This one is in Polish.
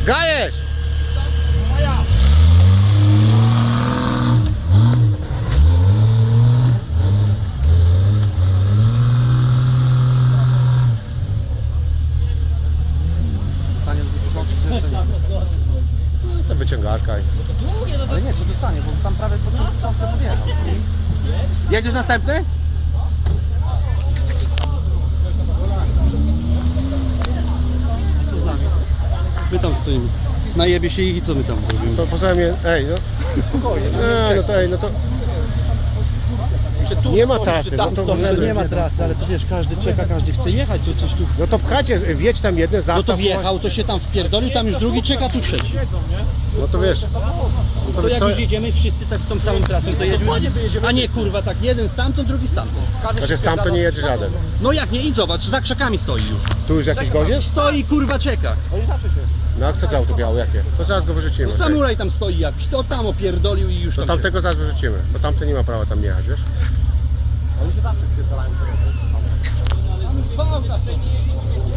Gajesz! Stanie do początku, czy jeszcze nie? To wyciągarka. Ale nie, co dostanie, bo tam prawie pod początku podjechał. Jedziesz następny? Co z nami? My tam stoimy. Najebie się ich i co my tam zrobimy? To poza mnie, ej, no. Spokojnie. No to ej, no to nie ma trasy, no to Nie ma trasy, ale to wiesz, każdy czeka, każdy chce jechać, to coś tu... no to pchacie, wjedź tam jeden, zastaw. No to wjechał, to się tam wpierdolił, tam już drugi czeka, tu trzeci. No to wiesz. No to To wiesz jak co? już jedziemy wszyscy tak tą samą trasą, to jedziemy. A nie kurwa, tak jeden stamtąd, drugi stamtąd. Znaczy stamtąd nie jedzie żaden. No jak nie, idź zobacz, za krzakami stoi już. Tu już jakiś gość jest? Stoi kurwa czeka. Oni zawsze się. No a kto to auto białe, jakie? To zaraz go wyrzucimy. Samuraj tam stoi jakiś, to tam opierdolił i już To tam tamtego zaraz wyrzucimy, bo tamten nie ma prawa tam jechać, wiesz? Oni się zawsze wpierdalają. czeka.